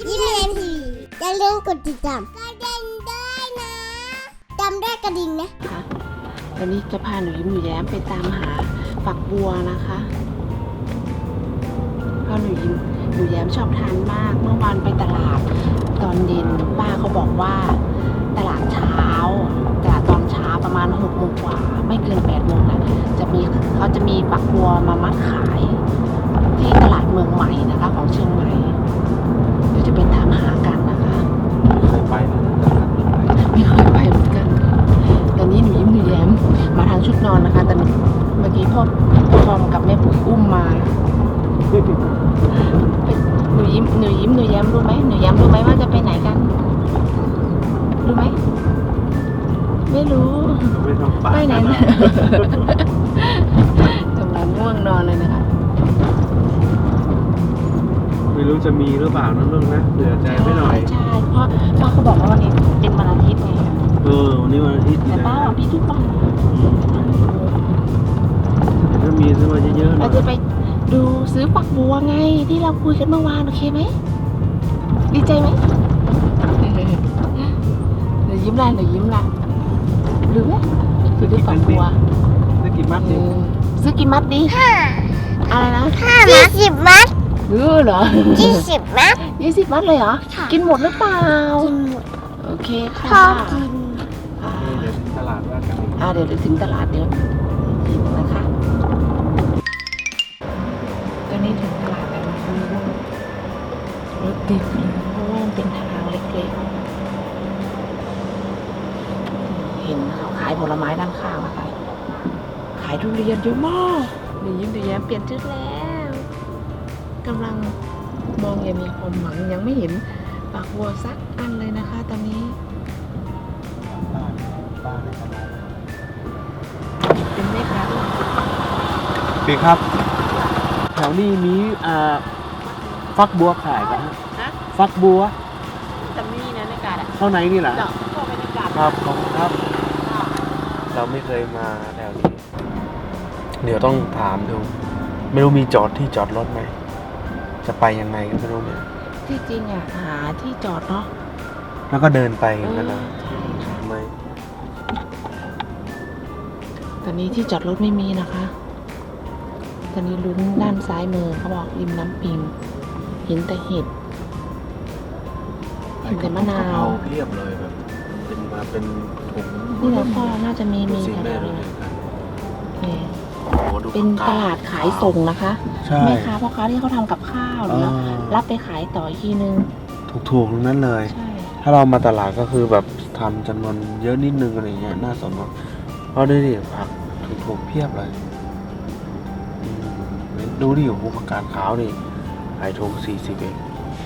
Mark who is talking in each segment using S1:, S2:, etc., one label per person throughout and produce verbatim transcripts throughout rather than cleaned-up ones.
S1: ยิ้มเรียนทีอย่าลืมกดติดตามกระดิ่งด้วยนะจำได้กระดิ่งนะ
S2: ค่ะตอนนี้จะพาหนูยิ้มหนูแย้มไปตามหาฝักบัวนะคะเพราะหนูยิ้มหนูแย้มชอบทานมากเมื่อวานไปตลาดตอนเย็นป้าเขาบอกว่าตลาดเช้าตลาดตอนเช้าประมาณหกโมงกว่าไม่เกินแปดโมงนะจะมีเขาจะมีฝักบัวมามัดขายที่ตลาดเมืองใหม่นะคะของเชียงใหม่เดี๋ยวจะไปตามหากันนะคะ
S3: ไม่เคยไปเลยนะครับ
S2: ไม่เคยไปเหมือนกันตอนนี้หนูยิ้มหนูแย้มมาทางชุดนอนนะคะแต่เมื่อกี้พ่อพ่อทอมกับแม่ปุ๋ยอุ้มมาหนูยิ้มหนูยิ้มหนูแย้มรู้ไหมหนูแย้มรู้ไหมว่าจะไปไหนกันรู้ไหมไม่รู้
S3: ไม่ต้องไป
S2: ไปไหนนะกำลังง่วงนอนเลยนะคะ
S3: ไม่รู้จะมีหรือเปล่านะลูกนะเผื่อใจไม่หน่อย
S2: ใช่เพราะป้าเขาบอกว่าวันนี้เป็นวันอาทิตย์ไง
S3: เออวันนี้วันอาทิตย์
S2: แต่ป้าวันพี่ทุกวัน
S3: ถ้ามีซื้อมาเยอะๆหน่
S2: เรา
S3: อย
S2: จะไปดูซื้อฝักบัวไงที่เราคุยกันเมื่อวานโอเคไหมดีใจไหมเดี๋ยวยิ้มละเดี๋ยวยิ้มละหรือไหมซื้อฝักบัว
S3: ซื้อกี่มัดดิ
S2: ซื้อกี่มัดดีอะไรนะ
S1: ยี่สิบมัด
S2: เออเหรอ
S1: ยี่สิบมัด
S2: ยี่สิบมัดเลยเหรอกินหมดหรือเปล่า
S1: กินหมด
S2: โอเคค่ะ
S1: ชอบกิน
S2: อ่า
S3: เดี๋ยวถึงตลาดว่ากันอีก
S2: อ่าเดี๋ยวถึงตลาดเดี๋ยวกินนะคะตอนนี้ถึงตลาดแล้วนะคะรถติดเลยเพราะว่ามันเป็นทางเล็กๆเห็นเขาขายผลไม้ด้านข้างนะคะขายทุเรียนเยอะมากหนูยิ้มหนูแย้มเปลี่ยนชุดแล้วกำลังมองยังมีความหวังยังไม่เห็นปากบัวสักอันเลยนะคะตอนนี้
S3: บ้านบ้านในตลาด
S2: เป็นแม่ค้าด้วย
S3: ปีครับแถวนี้มีอ่าฟักบัวขายกันฮะ
S2: ฮะ
S3: ฟักบัว
S2: แต่ไม่มีนะในกาดอ่ะ
S3: เข้าไหนนี่แหละ
S2: เจาะเข้าไปในกาด
S3: ครับขอบคุณครับ เราไม่เคยมาแถวนี้ เดี๋ยวต้องถามดูไม่รู้มีจอดที่จอดรถไหมจะไปยังไงก็ไม่รู้เนี่ย
S2: ที่จริงอ่ะหาที่จอดเนาะ
S3: แล้วก็เดินไปนั่นนะ
S2: ใช่ค่ะ
S3: ทำไม
S2: ตอนนี้ที่จอดรถไม่มีนะคะ ตอนนี้ลุ้นด้านซ้ายมือเขาบอกริมน้ำปิงเห็นแต่เห็ดเห็นแต่มะนาว
S3: เพียบเลยแบบเป็นมาเป็นถุง
S2: นี่นะพ่อน่าจะมีมี
S3: สิ่ง
S2: แถ
S3: แม่
S2: ว
S3: รู้
S2: ๆ
S3: เล
S2: นี้
S3: ยครับ
S2: นี่
S3: โอ้โหดู
S2: เป็นตลาดขายส่งนะคะ
S3: ใช่
S2: แม่ค้าพ่อค้าที่เขาทำกับข้าวหรือ
S3: อ่า
S2: รับไปขายต่ออีกทีนึง
S3: ถูกๆทั้งนั้นเลย
S2: ใช่
S3: ถ้าเรามาตลาดก็คือแบบทำจำนวนเยอะนิดนึงอะไรเงี้ยน่าสนใจเพราะดูดิผักถูกๆเพียบเลยอืมดูดิโอ้โหผักกาดขาวนี่ขายถูกสี่สิบเอง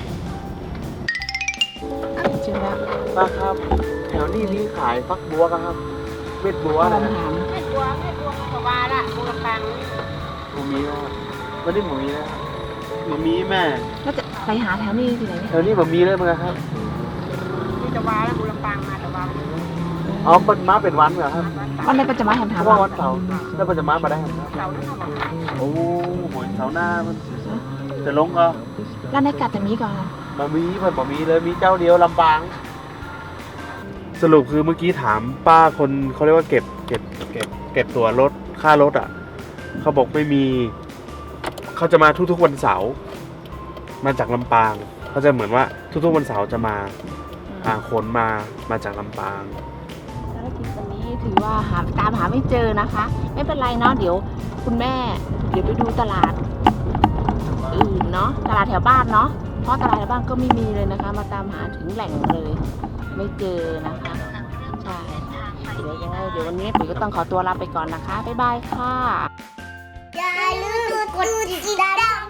S2: เจอแล้ว
S3: ป้าครับแถวนี้มีขายฟักบัวครับเม็ดบัว
S2: พ่อ
S3: นะ
S2: ถาม
S1: ให้ตัวให้ตัวกบาละตัวปัง
S3: หมูมีนะไม่ได้หมูมีนะหมูมีแม่
S2: ก็จะไปหาแถวนี้ที่ไหนเนี่ย
S3: แถวนี้หมูมีเลยมั้งครับ
S1: นี่จะวาแล้วบุรปังมาแต่วา
S3: อ๋อเป็นม้าเป็นวันเหรอครับ
S2: วันไหนปัจจมาแถมถาม
S3: เพราะว่าวันเสาร์แล้วมันจะม้ามาได้ครับ
S1: เสาร์นั่นหรอ
S3: โอ้โหเสาร์หน้ามันจะลงเหรอ
S2: ร้านในกาดจะมีก่อน
S3: บะมีมันบะมีเลยมีเจ้าเดียวลำปาง สรุปคือเมื่อกี้ถามป้าคนเขาเรียกว่าเก็บเก็บเก็บเก็บตัวรถค่ารถอ่ะเขาบอกไม่มีเขาจะมาทุกๆวันเสาร์มาจากลำปางเขาจะเหมือนว่าทุกๆวันเสาร์จะมาอ่าขนมามาจากลำปาง
S2: ภารกิจวันนี้ถือว่าหาตามหาไม่เจอนะคะ ไม่เป็นไรเนาะเดี๋ยวคุณแม่เดี๋ยวไปดูตลาดอื่นเนาะตลาดแถวบ้านเนาะเพราะตลาดแถวบ้านก็ไม่มีเลยนะคะ มาตามหาถึงแหล่งเลย ไม่เจอนะคะใช่เดี๋ยวยังไงเดี๋ยววันนี้ปุ๋ยก็ต้องขอตัวลาไปก่อนนะคะบ๊ายบายค่ะ
S1: อย่าลืมกดติดตาม